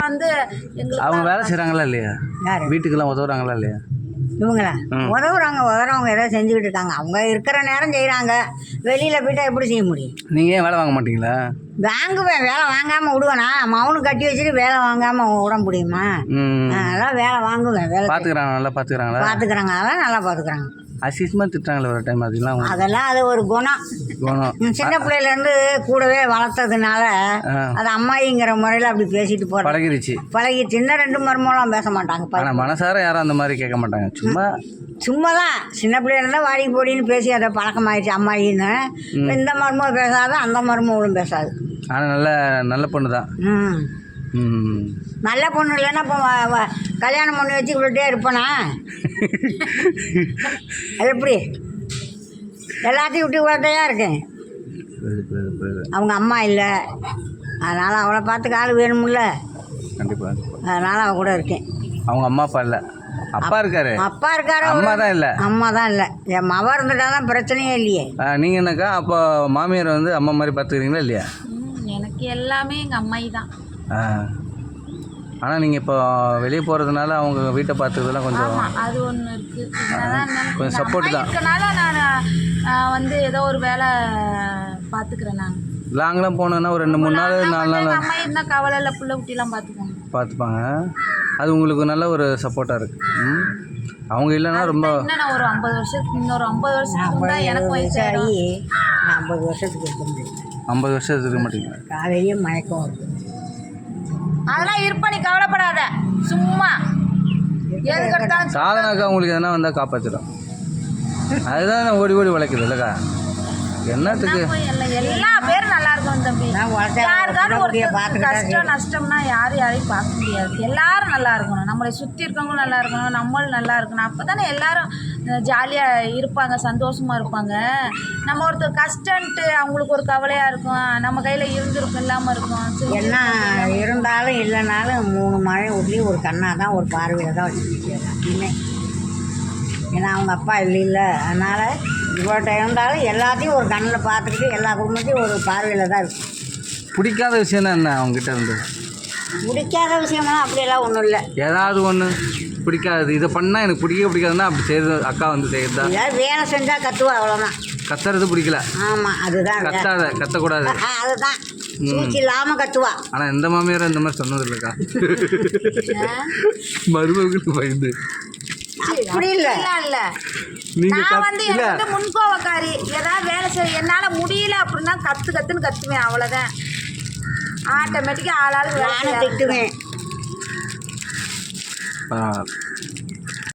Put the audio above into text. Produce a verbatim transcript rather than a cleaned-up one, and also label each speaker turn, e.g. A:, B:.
A: வந்து எங்களுக்கு
B: அவங்க வேலை செய்கிறாங்களா இல்லையா?
C: யாரு?
B: வீட்டுக்கெல்லாம் உதவுறாங்களா இல்லையா?
C: இவங்களா உதவுறாங்க, உதவுறவங்க ஏதோ செஞ்சுக்கிட்டு இருக்காங்க. அவங்க இருக்கிற நேரம் செய்கிறாங்க. வெளியில் போய்ட்டா எப்படி செய்ய முடியும்?
B: நீங்கள் ஏன் வேலை வாங்க மாட்டீங்களா?
C: வாங்குவேன், வேலை வாங்காமல் விடுவேனா? மவுனு கட்டி வச்சுட்டு வேலை வாங்காமல் விட முடியுமா?
B: ம்
C: அதெல்லாம் வேலை வாங்குவேன். வேலை
B: பார்த்துக்குறாங்க, நல்லா பார்த்துக்குறாங்களா?
C: பார்த்துக்குறாங்க, அதெல்லாம் நல்லா பார்த்துக்குறாங்க.
B: அசிஸ்மாக திட்டுறாங்களே ஒரு டைம், அதெல்லாம்
C: அதெல்லாம் அது ஒரு குணம்.
B: குணம்
C: சின்ன பிள்ளையிலேருந்து கூடவே வளர்த்ததுனால அது அம்மாயிங்கிற முறையில் அப்படி பேசிட்டு போகிற
B: பழகிருச்சு.
C: பழகி சின்ன ரெண்டு மருமகளும் பேச மாட்டாங்க.
B: ஆனால் மனசார யாரும் அந்த மாதிரி கேட்க மாட்டாங்க. சும்மா
C: சும்மா தான் சின்ன பிள்ளையில வாடி போடின்னு பேசி அதை பழக்கமாயிடுச்சு அம்மாயின்னு. இந்த மருமகள் பேசாது, அந்த மருமகளும் பேசாது.
B: ஆனால் நல்ல நல்ல பொண்ணு தான்.
C: ம்
B: ம்
C: நல்ல பொண்ணு இல்லைன்னா இப்போ கல்யாணம் பண்ணி வச்சு விட்டுட்டே இருப்பேனா? அது எப்படி? எல்லாத்தையும் விட்டு விட்டே இருக்கேன். அவங்க அம்மா இல்லை, அதனால் அவளை பார்த்துக்க ஆள் வேணும்ல.
B: கண்டிப்பாக.
C: அதனால் அவள் கூட இருக்கேன்.
B: அவங்க அம்மா அப்பா இல்லை, அப்பா இருக்காரு.
C: அப்பா இருக்காரு,
B: அம்மா தான் இல்லை.
C: அம்மா தான் இல்லை. என் மவ இருந்துட்டா தான் பிரச்சனையே இல்லையே.
B: நீங்கள் என்னக்கா அப்போ மாமியார் வந்து அம்மா மாதிரி பார்த்துக்கிறீங்களா இல்லையா?
A: எனக்கு எல்லாமே எங்கள் அம்மாயி தான்.
B: ஆ ஆனால் நீங்கள் இப்போ வெளியே போகிறதுனால அவங்க வீட்டை பார்த்துக்கிறதுலாம் கொஞ்சம்
A: அது ஒன்று இருக்குது.
B: கொஞ்சம் சப்போர்ட் தான்.
A: இருக்கனால நான் வந்து ஏதோ ஒரு வேலை பார்த்துக்கிறேன். நான்
B: லாங்கெலாம் போனேன்னா ஒரு ரெண்டு மூணு நாள் நாலு நாள்
A: அம்மா இருந்தால் கவலை இல்லை, புள்ள குட்டிலாம் பார்த்துக்கோங்க
B: பார்த்துப்பாங்க. அது உங்களுக்கு நல்ல ஒரு சப்போர்ட்டாக இருக்குது. ம் அவங்க இல்லைன்னா ரொம்ப
A: இன்னும் ஒரு ஐம்பது வருஷத்துக்கு இன்னொரு ஐம்பது வருஷத்துக்கு தான் எனக்கு வயசாகி
C: ஐம்பது வருஷத்துக்கு இருக்க முடியும்.
B: ஐம்பது வருஷத்துக்கு இருக்க மாட்டீங்க.
C: காலையிலேயே மயக்கம் வருது.
A: அதெல்லாம் இருப்ப, நீ கவலைப்படாத. சும்மா எதுக்கு எடுத்தாலும்
B: சாதனாக்கா உங்களுக்கு எதனா வந்தால் காப்பாற்றிடும். அதுதான் ஓடி ஓடி உழைக்குது இல்லைக்கா? என்னத்துக்கு
A: எல்லா பேரும் நல்லா இருக்கும் தம்பி. யாருக்காவது ஒரு கஷ்டம் நஷ்டம்னா யாரும் யாரையும் பார்க்க முடியாது. எல்லாரும் நல்லா இருக்கணும், நம்மளை சுற்றி இருக்கவங்களும் நல்லா இருக்கணும், நம்மளும் நல்லா இருக்கணும். அப்போ தானே எல்லாரும் ஜாலியாக இருப்பாங்க, சந்தோஷமாக இருப்பாங்க. நம்ம ஒருத்தர் கஷ்டன்ட்டு அவங்களுக்கு ஒரு கவலையாக இருக்கும், நம்ம கையில் இருந்திருக்கும் இல்லாமல் இருக்கும்.
C: என்ன இருந்தாலும் இல்லைனாலும் மூணு மழை ஊற்றி ஒரு கண்ணாக தான் ஒரு பார்வையில் தான் வச்சுருக்கேன் அப்படின்னே. ஏன்னா அவங்க அப்பா இல்லை இல்லை அதனால் இவ்வளோ இருந்தாலும் எல்லாத்தையும் ஒரு கண்ணில் பார்த்துக்கிட்டு எல்லா குடும்பத்தையும் ஒரு பார்வையில் தான் இருக்கும்.
B: பிடிக்காத விஷயம் தான் என்ன அவங்ககிட்ட இருந்து?
C: பிடிக்காத விஷயம்லாம் அப்படியெல்லாம் ஒன்றும் இல்லை.
B: ஏதாவது ஒன்று பிடிக்காது, இதை பண்ணால் எனக்கு பிடிக்க பிடிக்காதுன்னா அப்படி செய்யுது அக்கா வந்து செய்யுறதா?
C: ஏதாவது வேலை செஞ்சால் கத்துவா, அவ்வளோதான்.
B: கத்துறது பிடிக்கல.
C: ஆமாம், அதுதான்.
B: கத்தாத, கத்தக்கூடாது.
C: அதுதான் சூழ்ச்சி இல்லாமல் கத்துவா.
B: ஆனால் எந்த மாமியாரும் இந்த மாதிரி சொன்னது இல்லைக்கா. மருமகளுக்கு பயந்து
C: அப்படி இல்லை
A: இல்லை. நான் வந்து எனக்கு முன்கோவக்காரி. ஏதாவது வேலை செய்ய என்னால் முடியல அப்படின்னா கற்று கற்றுன்னு கற்றுவேன், அவ்வளோதான். ஆட்டோமேட்டிக்காக ஆளாளுக்கு வேலை
C: திட்டுவேன்.
B: பரவாயில்ல.